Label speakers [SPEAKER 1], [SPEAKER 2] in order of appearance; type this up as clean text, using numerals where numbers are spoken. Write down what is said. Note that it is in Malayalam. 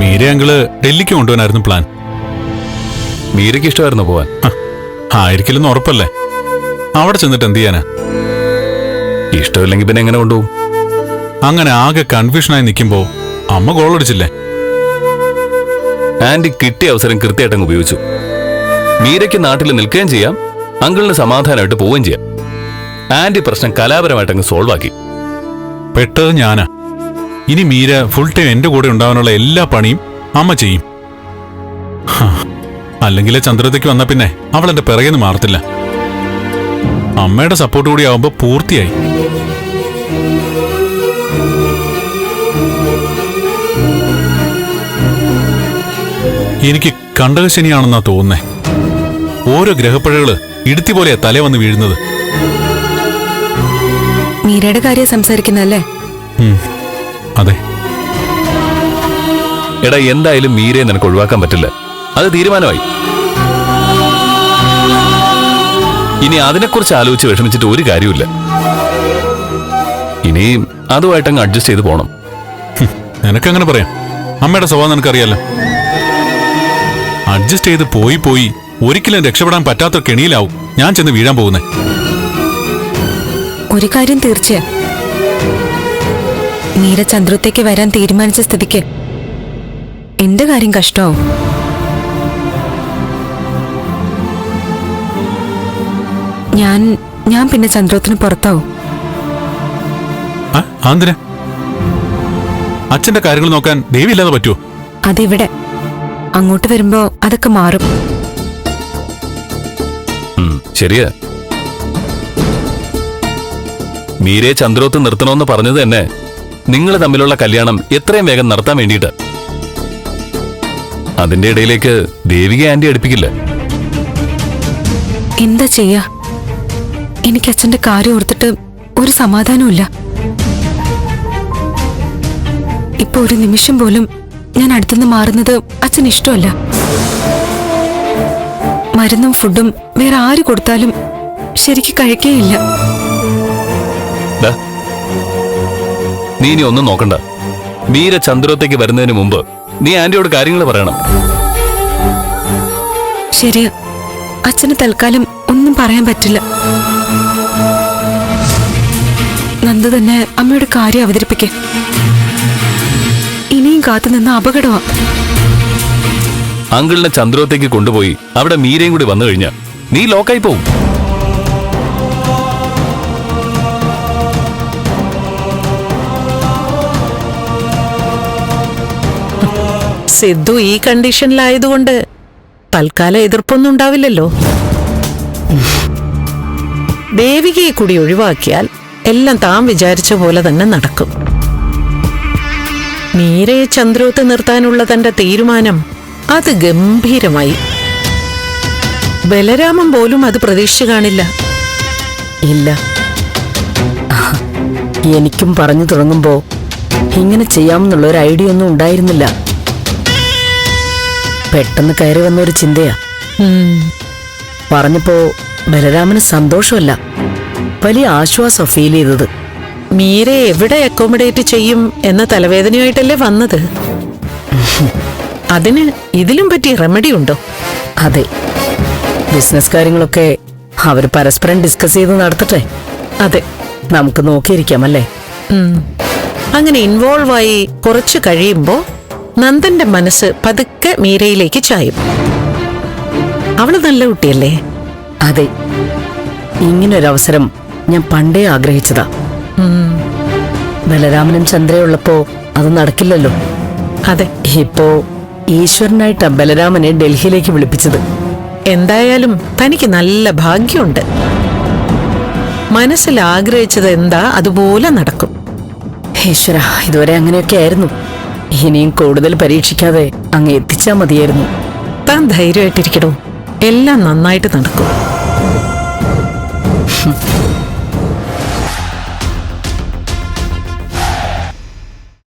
[SPEAKER 1] മീര അങ്കിള് ഡൽഹിക്ക് കൊണ്ടുപോകാനായിരുന്നു പ്ലാൻ.
[SPEAKER 2] മീരയ്ക്ക് ഇഷ്ടമായിരുന്നു പോവാൻ?
[SPEAKER 1] ആയിരിക്കില്ലെന്ന് ഉറപ്പല്ലേ. അവിടെ ചെന്നിട്ട് എന്ത് ചെയ്യാനാ?
[SPEAKER 2] ഇഷ്ടമില്ലെങ്കിൽ പിന്നെ എങ്ങനെ കൊണ്ടുപോകും?
[SPEAKER 1] അങ്ങനെ ആകെ കൺഫ്യൂഷനായി നിൽക്കുമ്പോ അമ്മ ഗോളടിച്ചില്ലേ?
[SPEAKER 2] ആന്റി കിട്ടിയ അവസരം കൃത്യമായിട്ടങ്ങ് ഉപയോഗിച്ചു. മീരയ്ക്ക് നാട്ടിൽ നിൽക്കുകയും ചെയ്യാം, അങ്കിളിന് സമാധാനമായിട്ട് പോവുകയും ചെയ്യാം. ആന്റി പ്രശ്നം കലാപരമായിട്ടങ്ങ് സോൾവ് ആക്കി.
[SPEAKER 1] പെട്ടത് ഞാനാ. ഇനി മീര ഫുൾ ടൈം എന്റെ കൂടെ ഉണ്ടാവാനുള്ള എല്ലാ പണിയും അമ്മ ചെയ്യും. അല്ലെങ്കിലേ ചന്ദ്രത്തേക്ക് വന്ന പിന്നെ അവൾ എന്റെ പിറകെന്ന് മാറത്തില്ല. അമ്മയുടെ സപ്പോർട്ട് കൂടി ആവുമ്പോ പൂർത്തിയായി. എനിക്ക് കണ്ടകശനിയാണെന്നാ തോന്നുന്നേ. ഓരോ ഗ്രഹപ്പഴകള് ഇടുത്തി പോലെയാ തല വന്ന് വീഴുന്നത്.
[SPEAKER 3] മീരയുടെ കാര്യം സംസാരിക്കുന്നല്ലേ?
[SPEAKER 1] അതെ.
[SPEAKER 2] എടാ, എന്തായാലും മീരയെ നിനക്ക് ഒഴിവാക്കാൻ പറ്റില്ല. അത് തീരുമാനമായി. ഇനി അതിനെക്കുറിച്ച് ആലോചിച്ച് വിഷമിച്ചിട്ട് ഒരു കാര്യമില്ല. ഇനി അതുമായിട്ടങ്ങ് അഡ്ജസ്റ്റ് ചെയ്ത് പോണം.
[SPEAKER 1] നിനക്കങ്ങനെ പറയാം. അമ്മയുടെ സ്വഭാവം നിനക്കറിയാലോ. അഡ്ജസ്റ്റ് ചെയ്ത് പോയി ഒരിക്കലും രക്ഷപ്പെടാൻ പറ്റാത്ത കെണിയിലാവും ഞാൻ ചെന്ന് വീഴാൻ പോകുന്നേ.
[SPEAKER 3] ഒരു കാര്യം തീർച്ചയാ, മീര ചന്ദ്രത്തേക്ക് വരാൻ തീരുമാനിച്ച സ്ഥിതിക്ക് എന്റെ കാര്യം കഷ്ടമാവും. ഞാൻ പിന്നെ ചന്ദ്രത്തിന് പുറത്താവും.
[SPEAKER 1] എന്തിനാ? അച്ഛന്റെ കാര്യങ്ങൾ നോക്കാൻ ദേവി ഇല്ലാതെ പറ്റുമോ?
[SPEAKER 3] അതിവിടെ അങ്ങോട്ട് വരുമ്പോ അതൊക്കെ മാറും.
[SPEAKER 2] ശരിയാ. മീരയെ ചന്ദ്രോത്ത് നിർത്തണമെന്ന് പറഞ്ഞത് തന്നെ നിങ്ങൾ തമ്മിലുള്ള കല്യാണം എത്രയും വേഗം നടത്താൻ വേണ്ടിയിട്ട്. അതിന്റെ ഇടയിലേക്ക് ദേവിക ആന്റി അടുപ്പിക്കില്ല.
[SPEAKER 3] എന്താ ചെയ്യാ? എനിക്ക് അച്ഛന്റെ കാര്യം ഓർത്തിട്ട് ഒരു സമാധാനമില്ല. ഇപ്പൊ ഒരു നിമിഷം പോലും ഞാൻ അടുത്തുനിന്ന് മാറുന്നത് അച്ഛന് ഇഷ്ടമല്ല. മരുന്നും ഫുഡും വേറെ ആര് കൊടുത്താലും ശരിക്ക് കഴിക്കേയില്ല.
[SPEAKER 2] നീ ഇനി ഒന്നും നോക്കണ്ട. മീര ചന്ദ്രത്തേക്ക് വരുന്നതിന് മുമ്പ് നീ ആന്റിയോട് കാര്യങ്ങൾ പറയണം.
[SPEAKER 3] ശരിയാ, അച്ഛന് തൽക്കാലം ഒന്നും പറയാൻ പറ്റില്ല. നന്ദ തന്നെ അമ്മയുടെ കാര്യം അവതരിപ്പിക്കേ. ഇനിയും കാത്തുനിന്ന അപകടമാ.
[SPEAKER 2] അങ്കിളിനെ ചന്ദ്രത്തേക്ക് കൊണ്ടുപോയി അവിടെ മീരയും കൂടി വന്നു കഴിഞ്ഞാൽ നീ ലോക്കായി പോവും.
[SPEAKER 4] സിദ്ധു ഈ കണ്ടീഷനിലായതുകൊണ്ട് തൽക്കാലം എതിർപ്പൊന്നും ഉണ്ടാവില്ലല്ലോ. ദേവികയെ കൂടി ഒഴിവാക്കിയാൽ എല്ലാം താൻ വിചാരിച്ച പോലെ തന്നെ നടക്കും. മീരയെ ചന്ദ്രോത്ത് നിർത്താനുള്ള തന്റെ തീരുമാനം അത് ഗംഭീരമായി. ബലരാമൻ പോലും അത് പ്രതീക്ഷിച്ചു കാണില്ല.
[SPEAKER 5] ഇല്ല, എനിക്കും പറഞ്ഞു തുടങ്ങുമ്പോ ഇങ്ങനെ ചെയ്യാമെന്നുള്ള ഒരു ഐഡിയ ഒന്നും ഉണ്ടായിരുന്നില്ല. പെട്ടെന്ന് കയറി വന്ന ഒരു ചിന്തയാ. പറഞ്ഞപ്പോ ബലരാമന് സന്തോഷമല്ല, വലിയ ആശ്വാസം ഫീൽ ചെയ്തത്.
[SPEAKER 4] മീരയെ എവിടെ അക്കോമഡേറ്റ് ചെയ്യും എന്ന തലവേദനയായിട്ടല്ലേ വന്നത്. അതിന് ഇതിലും പറ്റിയ റെമഡി ഉണ്ടോ?
[SPEAKER 5] അതെ, ബിസിനസ് കാര്യങ്ങളൊക്കെ അവര് പരസ്പരം ഡിസ്കസ് ചെയ്ത് നടത്തട്ടെ.
[SPEAKER 4] അതെ,
[SPEAKER 5] നമുക്ക് നോക്കിയിരിക്കാമല്ലേ.
[SPEAKER 4] അങ്ങനെ ഇൻവോൾവ് ആയി കുറച്ചു കഴിയുമ്പോ നന്ദന്റെ മനസ്സ് പതുക്കെ മീരയിലേക്ക് ചായും. അവള് നല്ല കുട്ടിയല്ലേ?
[SPEAKER 5] അതെ, ഇങ്ങനൊരവസരം ഞാൻ പണ്ടേ ആഗ്രഹിച്ചതാ. ബലരാമനും ചന്ദ്രയുള്ളപ്പോ അത് നടക്കില്ലല്ലോ.
[SPEAKER 4] അതെ,
[SPEAKER 5] ഇപ്പോ ഈശ്വരനായിട്ടാ ബലരാമനെ ഡൽഹിയിലേക്ക് വിളിപ്പിച്ചത്.
[SPEAKER 4] എന്തായാലും തനിക്ക് നല്ല ഭാഗ്യമുണ്ട്. മനസ്സിൽ ആഗ്രഹിച്ചത് എന്താ അതുപോലെ നടക്കും.
[SPEAKER 5] ഈശ്വര, ഇതുവരെ അങ്ങനെയൊക്കെ ആയിരുന്നു. ഇനിയും കൂടുതൽ പരീക്ഷിക്കാതെ അങ്ങ് എത്തിച്ചാ മതിയായിരുന്നു.
[SPEAKER 4] താൻ ധൈര്യമായിട്ടിരിക്കണോ, എല്ലാം നന്നായിട്ട് നടക്കും.